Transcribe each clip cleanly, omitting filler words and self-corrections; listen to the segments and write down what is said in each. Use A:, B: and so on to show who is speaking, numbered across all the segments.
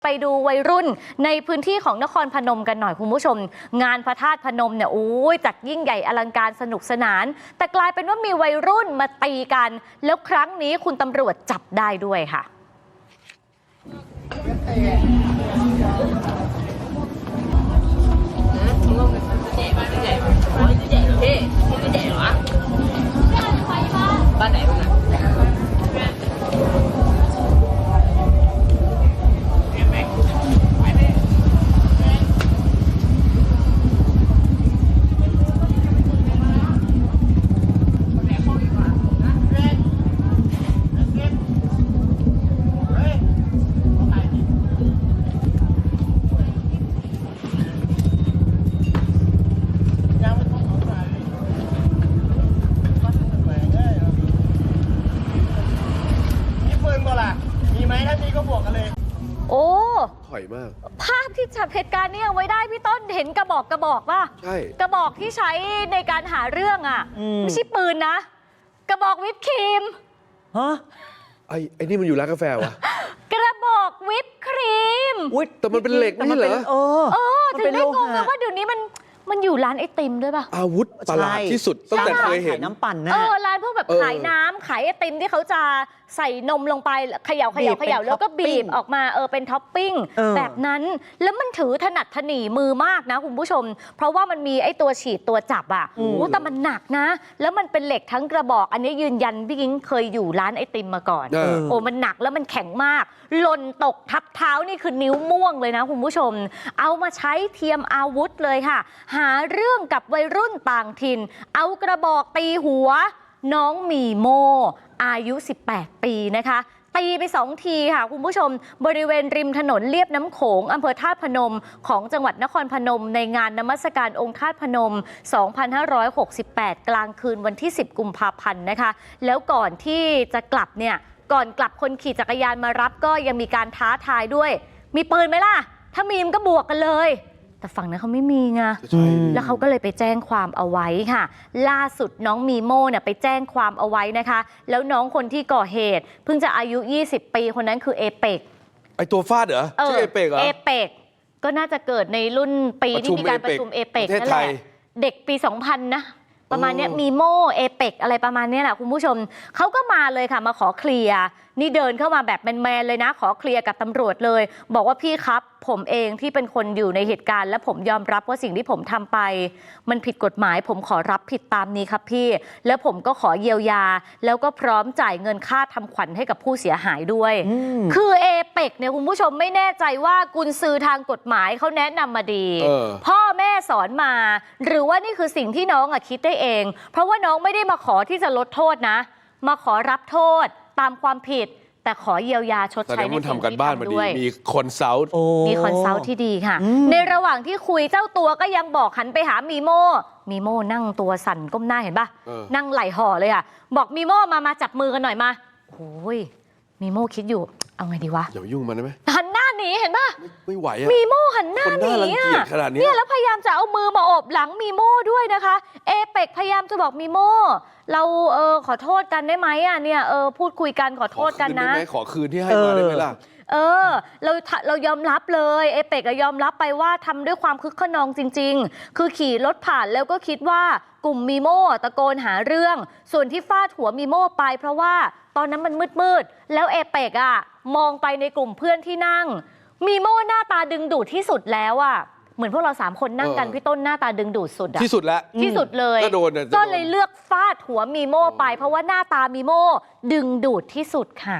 A: ไปดูวัยรุ่นในพื้นที่ของนครพนมกันหน่อยคุณผู้ชมงานพระธาตุพนมเนี่ยโอ้ยจัดยิ่งใหญ่อลังการสนุกสนานแต่กลายเป็นว่ามีวัยรุ่นมาตีกันแล้วครั้งนี้คุณตำรวจจับได้ด้วยค่ะบ้านไหนบ้างโอ้
B: ถอยมาก
A: ภาพที่จับเหตุการณ์นี้เอาไว้ได้พี่ต้นเห็นกระบอกป่ะ
B: ใช่
A: กระบอกที่ใช้ในการหาเรื่องอ่ะไม่ใช่ปืนนะกระบอกวิปครีม
C: ฮะ
B: ไอ้นี่มันอยู่ร้านกาแฟวะ
A: กระบอกวิปครีม
B: แต่มันเป็นเหล็กนี่เหรอ
A: ถึงได้งงนะว่าเดี๋ยวนี้มันอยู่ร้านไอติมด้วยป่ะ
B: อาวุธประหลาดที่สุดตั้งแต่เคยเห็น
C: น้ำปั่นนะ
A: ร้านพวกแบบขายน้ำขายไอติมที่เขาจะใส่นมลงไปเขย่าแล้วก็บีบออกมาเป็นท็อปปิ้งแบบนั้นแล้วมันถือถนัดถนีมือมากนะคุณผู้ชมเพราะว่ามันมีไอตัวฉีดตัวจับอ่ะแต่มันหนักนะแล้วมันเป็นเหล็กทั้งกระบอกอันนี้ยืนยันพี่กิ้งเคยอยู่ร้านไอติมมาก่อนมันหนักแล้วมันแข็งมากหล่นตกทับเท้านี่คือนิ้วม่วงเลยนะคุณผู้ชมเอามาใช้เทียมอาวุธเลยค่ะหาเรื่องกับวัยรุ่นต่างถิ่นเอากระบอกตีหัวน้องมีโมอายุ18 ปีนะคะตีไป2 ทีค่ะคุณผู้ชมบริเวณริมถนนเลียบน้ำโขงอำเภอธาตุพนมของจังหวัดนครพนมในงานนมัสการองค์ธาตุพนม 2568 กลางคืนวันที่ 10 กุมภาพันธ์นะคะแล้วก่อนที่จะกลับเนี่ยก่อนกลับคนขี่จักรยานมารับก็ยังมีการท้าทายด้วยมีปืนไหมล่ะถ้ามีมันก็บวกกันเลยแต่ฝั่งนั้นเขาไม่มีไงแล้วเขาก็เลยไปแจ้งความเอาไว้ค่ะล่าสุดน้องมีโม่เนี่ยไปแจ้งความเอาไว้นะคะแล้วน้องคนที่ก่อเหตุเพิ่งจะอายุ20 ปีคนนั้นคือเอเปก
B: ไอตัวฟาดเหรอชื่อเอเปกเหรอ
A: เอเปกก็น่าจะเกิดในรุ่นปีที่มีการประชุมเอเปกนั่นแหละเด็กปี 2000 นะประมาณนี้มีโม่เอเปกอะไรประมาณนี้แหละคุณผู้ชมเขาก็มาเลยค่ะมาขอเคลียร์นี่เดินเข้ามาแบบแมนๆเลยนะขอเคลียร์กับตำรวจเลยบอกว่าพี่ครับผมเองที่เป็นคนอยู่ในเหตุการณ์และผมยอมรับว่าสิ่งที่ผมทำไปมันผิดกฎหมายผมขอรับผิดตามนี้ครับพี่แล้วผมก็ขอเยียวยาแล้วก็พร้อมจ่ายเงินค่าทำขวัญให้กับผู้เสียหายด้วยคือเอเปกเนี่ยคุณผู้ชมไม่แน่ใจว่ากุญซือทางกฎหมายเขาแนะนำมาดีพ่อแม่สอนมาหรือว่านี่คือสิ่งที่น้องคิดได้เองเพราะว่าน้องไม่ได้มาขอที่จะลดโทษนะมาขอรับโทษตามความผิดแต่ขอเยียวยาชดใช้ในสิ่งที่ทำด้วย
B: มีคอนซัลท์
A: ที่ดีค่ะในระหว่างที่คุยเจ้าตัวก็ยังบอกหันไปหามีโม่นั่งตัวสั่นก้มหน้าเห็นป่ะนั่งไหล่ห่อเลยอ่ะบอกมีโม่มาจับมือกันหน่อยมาโอ้ยมีโม่คิดอยู่เอาไงดีวะ
B: อย่ายุ่งมันได้ไหม
A: หันหน้าหนีเห็นป่ะ
B: ไม่ไหวอ่ะ
A: มีโม่หันหน้าหนีอ่ะเนี่ยแล้วพยายามจะเอามือมาโอบหลังมีโม่ด้วยนะคะเอเปกพยายามจะบอกมีโม่เราขอโทษกันได้ไหมอ่ะเนี่ยพูดคุยกันขอโทษกันนะ
B: ขอคืนที่ให้มาได้ไหมล่ะ
A: เรายอมรับเลยเอเปกยอมรับไปว่าทำด้วยความคึกขนองจริงๆคือขี่รถผ่านแล้วก็คิดว่ากลุ่มมีโม่ตะโกนหาเรื่องส่วนที่ฟาดหัวมีโม่ไปเพราะว่าตอนนั้นมันมืดแล้วเอเปกมองไปในกลุ่มเพื่อนที่นั่งมีโม่หน้าตาดึงดูดที่สุดแล้วเหมือนพวกเรา3 คนนั่งกันพี่ต้นหน้าตาดึงดูดสุด
B: ที่สุดแล้ว
A: ที่สุดเลยก็เลยเลือกฟาดหัวมีโม่ไปเพราะว่าหน้าตามีโม่ดึงดูดที่สุดค่ะ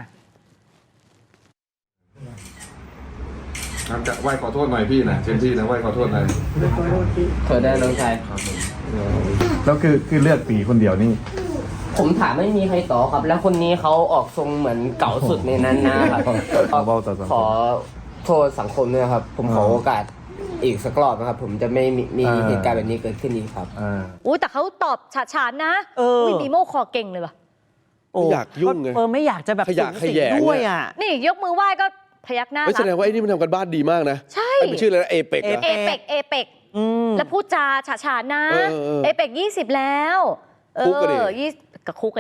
D: จะไหว้ขอโทษหน่อยพี่นะเจนพี่นะไหว้ขอโทษหน่อย
E: เธอได้น้องชาย
D: แล้วคือเลือกตีคนเดียวนี่
E: ผมถามไม่มีใครต่อครับแล้วคนนี้เขาออกทรงเหมือนเก่าสุดในนั้นนะครับขอโทษสังคมด้วยครับผมขอโอกาสอีกสักรอบนะครับผมจะไม่มีเหตุการณ์แบบนี้เกิดขึ้นอีกครับ
A: แต่เขาตอบฉาดนะมีโม่คอเก่งเลยว่ะ
B: ไม่อยากยุ่งไง
C: ไม่อยากจะแบบ
B: ขยะแขยง
C: ด้วย
A: นี่ยกมือไหว้ก็พยักหน้า
B: แสดงว่าไอ้นี่มันทำกันบ้านดีมากนะ
A: ใช่
B: ไม่ชื่ออะไรเอเปก
A: แล้วพูดจาฉาดนะเอเปก20แล้ว
B: คุกกันดิ
A: กับคุกกันดิ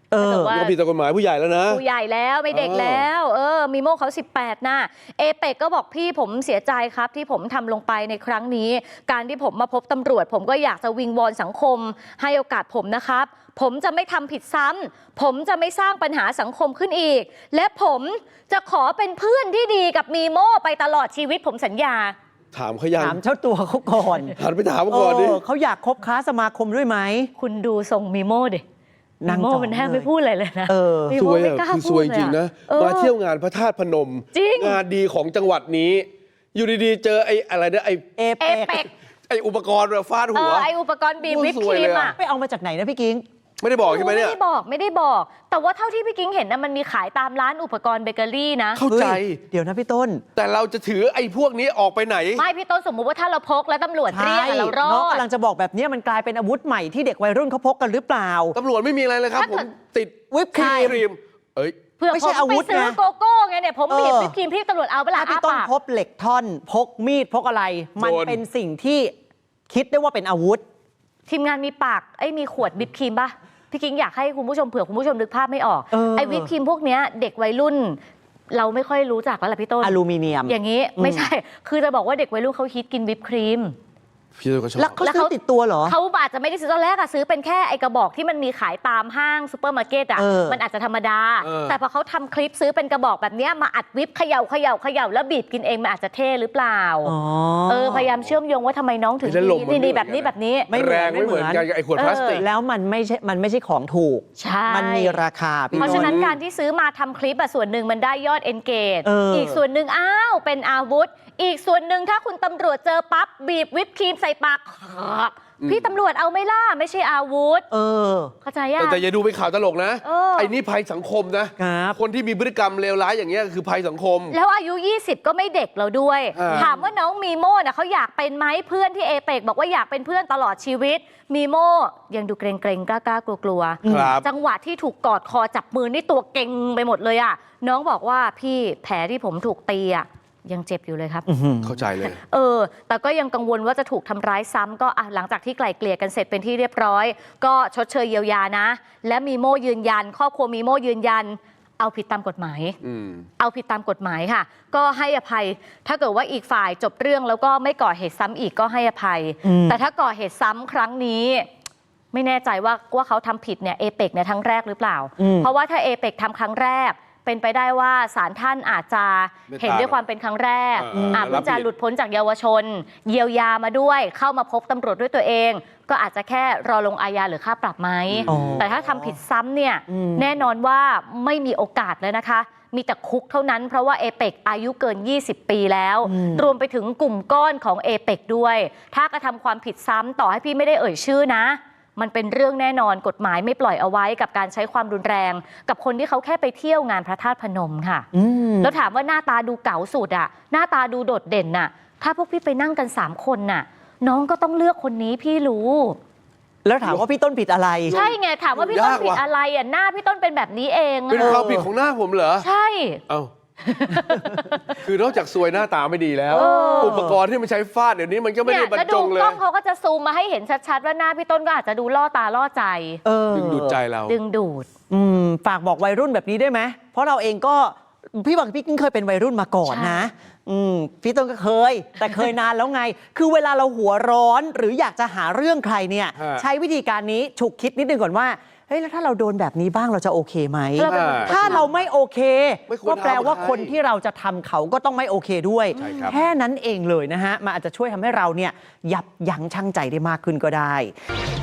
A: ถ้าเกิดว่า
B: ก็ผิดตามกฎหมายผู้ใหญ่แล้วนะ
A: ผู้ใหญ่แล้วไม่เด็กแล้วมีโมเขา18นะเอเปกก็บอกพี่ผมเสียใจครับที่ผมทำลงไปในครั้งนี้ การที่ผมมาพบตำรวจผมก็อยากจะวิงวอนสังคมให้โอกาสผมนะครับผมจะไม่ทำผิดซ้ำผมจะไม่สร้างปัญหาสังคมขึ้นอีกและผมจะขอเป็นเพื่อนที่ดีกับมีโมไปตลอดชีวิตผมสัญญา
B: ถามเขายัง
C: ถามเจ้าตัวเขาก่อน
B: หันไปถามเขาก่อนดิ
C: เขาอยากคบค้าสมาคมด้วยไหม
A: คุณดูทรงมีโมดิ
C: นั่
A: มี
C: ง
A: โม
C: จ่อ
A: มันแทบ
C: เลย
A: ไม่พูดอะไรเลยนะมี
B: ซ
A: โม
B: วย
A: ไม่
B: อ่ะ
A: กล้า
B: คือ
A: พู
B: ซวย
A: ด
B: จริงนะ มาเที่ยวงานพระธาตุพนม
A: จริง
B: งานดีของจังหวัดนี้ อยู่ดีๆ เจอไอ้อะไรนะไอ้
C: เอ
A: เอ
C: เป
A: เป
C: ก
A: ก
B: ไอ้อุปกรณ์แบบฟาดหัว
A: ไออุปกรณ์บีบ
B: โอ้ย
A: วิป
B: ส
A: ค
B: วย
A: รี
B: เล
A: ม
B: ย
A: อ่ะ
B: อะ
C: ไปเอามาจากไหนนะพี่กิ้ง
B: ไม่ได้บอกใช่ไหมเนี่ย
A: ไม่ได้บอก แต่ว่าเท่าที่พี่กิ้งเห็นนะมันมีขายตามร้านอุปกรณ์เบเกอรี่นะ
B: เข้าใจ
C: เฮ้ยเดี๋ยวนะพี่ต้น
B: แต่เราจะถือไอ้พวกนี้ออกไปไหน
A: ไม่พี่ต้นสมมุติว่าถ้าเราพกแล้วตำรวจเรียกอะเรารอ
C: น้อง
A: ด
C: กำลังจะบอกแบบนี้มันกลายเป็นอาวุธใหม่ที่เด็กวัยรุ่นเขาพกกันหรือเปล่า
B: ตำรวจไม่มีอะไรเลยครับ
A: ถ้า
B: ผ
A: เกิ
B: ม
A: ด
B: ติด
C: วิปครีม
B: ครีม เอ้ย
A: เพื่อ
C: ไม่
A: ผ
C: ใช่
A: ม
C: อา
A: ไป
C: วุธ
A: ซื้อ
C: นะ
A: โกโก้ไงเนี่ยผมบีบวิปครีมพี่ตำรวจเอาไปละ
C: ถ้าพี่
A: อ้า
C: ต้น
A: ปาก
C: พบเหล็กท่อนพกมีดพกอะไร มัน
B: โดน
C: เป็นสิ่งที่คิดได้ว่าเป็นอาวุธ
A: ทีมงานมีปากมีขวดวิปครีมป่ะพี่กิ้งอยากให้คุณผู้ชมเผื่อคุณผู้ชมนึกภาพไม่ออก ไอ้วิปครีมพวกเนี้ยเด็กวัยรุ่น เราไม่ค่อยรู้จักแล้วล่ะพี่ต้น
C: อลูมิเนียม
A: อย่างนี้ไม่ใช่ คือจะบอกว่าเด็กวัยรุ่นเขาฮิตกินวิปครีม
B: พี่ตัวก็ชอบ
C: แล้วเขาซื้อติดตัวเหรอ
A: เขาอาจจะไม่ได้ซื้อตอนแรกอะซื้อเป็นแค่ไอกระบอกที่มันมีขายตามห้างซูเปอร์มาร์เก็ตอะ มันอาจจะธรรมดา แต่พอเขาทำคลิปซื้อเป็นกระบอกแบบเนี้ยมาอัดวิปเขย่าแล้วบีบกินเองมันอาจจะเท่หรือเปล่า พยายามเชื่อมโยงว่าทำไมน้องถึงนี่แบบนี้
C: ไม่เหมือน
B: แรงไม่เหมือนกันกับไอ้ขวดพลาสติก
C: แล้วมันไม่ใช่ของถูก
A: ใช่
C: มันมีราคาพี่
A: เพราะฉะนั้น
C: ต้
A: การที่ซื้อมาทำคลิปอะส่วนหนึ่งมันได้ยอด engage
C: อี
A: กส่วนหนึ่งเป็นอาวุธ อีกส่วนหนึ่งถ้าคุณตำรวจเจอปั๊บบีบวิปครีมใส่ปากพี่ตำรวจเอาไม่ล่าไม่ใช่อาวุธเข้าใจยัง
B: แต่อย่าดูเป็นข่าวตลกนะ
A: เออ
B: ไอ้นี่ภัยสังคมนะ
C: ครับ
B: คนที่มีพฤติกรรมเลวร้ายอย่างเงี้ยคือภัยสังคม
A: แล้วอายุ 20 ก็ไม่เด็กแล้วด้วย
B: ถาม
A: ว่าน้องมีโม่เขาอยากเป็นไหมเพื่อนที่เอเปกบอกว่าอยากเป็นเพื่อนตลอดชีวิต มีโม่ยังดูเกรงๆกล้ากลัว
B: ครับ
A: จังหวะที่ถูกกอดคอจับมือนี่ตัวเก่งไปหมดเลยอ่ะน้องบอกว่าพี่แผลที่ผมถูกตีอ่ะยังเจ็บอยู่เลยครับ
B: เข้าใจเลย
A: แต่ก็ยังกังวลว่าจะถูกทำร้ายซ้ำก็หลังจากที่ไกล่เกลี่ยกันเสร็จเป็นที่เรียบร้อย ก็ชดเชยเยียวยานะ และมีโม่ยืนยันครอบครัวมีโม่ยืนยัน เอาผิดตามกฎหมาย เอาผิดตามกฎหมายค่ะ ก็ให้อภัย ถ้าเกิดว่าอีกฝ่ายจบเรื่องแล้วก็ไม่ก่อเหตุซ้ำอีกก็ให้อภัย แต่ถ้าก่อเหตุซ้ำครั้งนี้ ไม่แน่ใจว่าเขาทำผิดเนี่ยเอเปกในครั้งแรกหรือเปล่า เพราะว่าถ้าเอเปกทำครั้งแรก เป็นไปได้ว่าศาลท่านอาจจะเห็นด้วยความเป็นครั้งแรกอาจจะหลุดพ้นจากเยาวชน เยียวยามาด้วย เข้ามาพบตำรวจด้วยตัวเอง ก็อาจจะแค่รอลงอาญาหรือค่าปรับไหม แต่ถ้าทำผิดซ้ำเนี่ยแน่นอนว่าไม่มีโอกาสเลยนะคะ มีแต่คุกเท่านั้นเพราะว่าเอเปกอายุเกิน 20 ปีแล้ว รวมไปถึงกลุ่มก้อนของเอเปกด้วย ถ้ากระทำความผิดซ้ำต่อให้พี่ไม่ได้เอ่ยชื่อนะ มันเป็นเรื่องแน่นอนกฎหมายไม่ปล่อยเอาไว้กับการใช้ความรุนแรง กับคนที่เขาแค่ไปเที่ยวงานพระธาตุพนมค่ะแล้วถามว่าหน้าตาดูเก๋าสุดอะหน้าตาดูโดดเด่นน่ะถ้าพวกพี่ไปนั่งกัน3 คนน่ะน้องก็ต้องเลือกคนนี้พี่รู้
C: แล้วถามว่าพี่ต้นผิดอะไร
A: ใช่ไงถามว่าพี่ต้นผิดอะไรอ่ะหน้าพี่ต้นเป็นแบบนี้เอง
B: เป็นความผิดของหน้าผมเหรอ
A: ใช่
B: เอ้า คือนอกจากซวยหน้าตาไม่ดีแล้ว อุปกรณ์ที่มันใช้ฟาดเดี๋ยวนี้มันก็ไม่ได้บรรจงเล
A: แล้วดูกล้
B: ย
A: องเขาก็จะซูมมาให้เห็นชัดๆว่าหน้าพี่ต้นก็อาจจะดูล่อตาล่อใจ
B: ดึงดูดใจเรา
A: ดึงดูด
C: ฝากบอกวัยรุ่นแบบนี้ได้ไหมเพราะเราเองก็พี่บังพี่กิ้งเคยเป็นวัยรุ่นมาก่อนนะพี่ต้นก็เคย แต่เคยนานแล้วไง คือเวลาเราหัวร้อนหรืออยากจะหาเรื่องใครเนี่ย ใช้วิธีการนี้ฉุกคิดนิดนึงก่อนว่าเฮ้ยแล้วถ้าเราโดนแบบนี้บ้างเราจะโอเคไหม ถ้าเราไม่โอเค ก็แปลว่าคนที่เราจะทำเขาก็ต้องไม่โอเคด้วย แค่นั้นเองเลยนะฮะมันอาจจะช่วยทำให้เราเนี่ยยับยั้งชั่งใจได้มากขึ้นก็ได้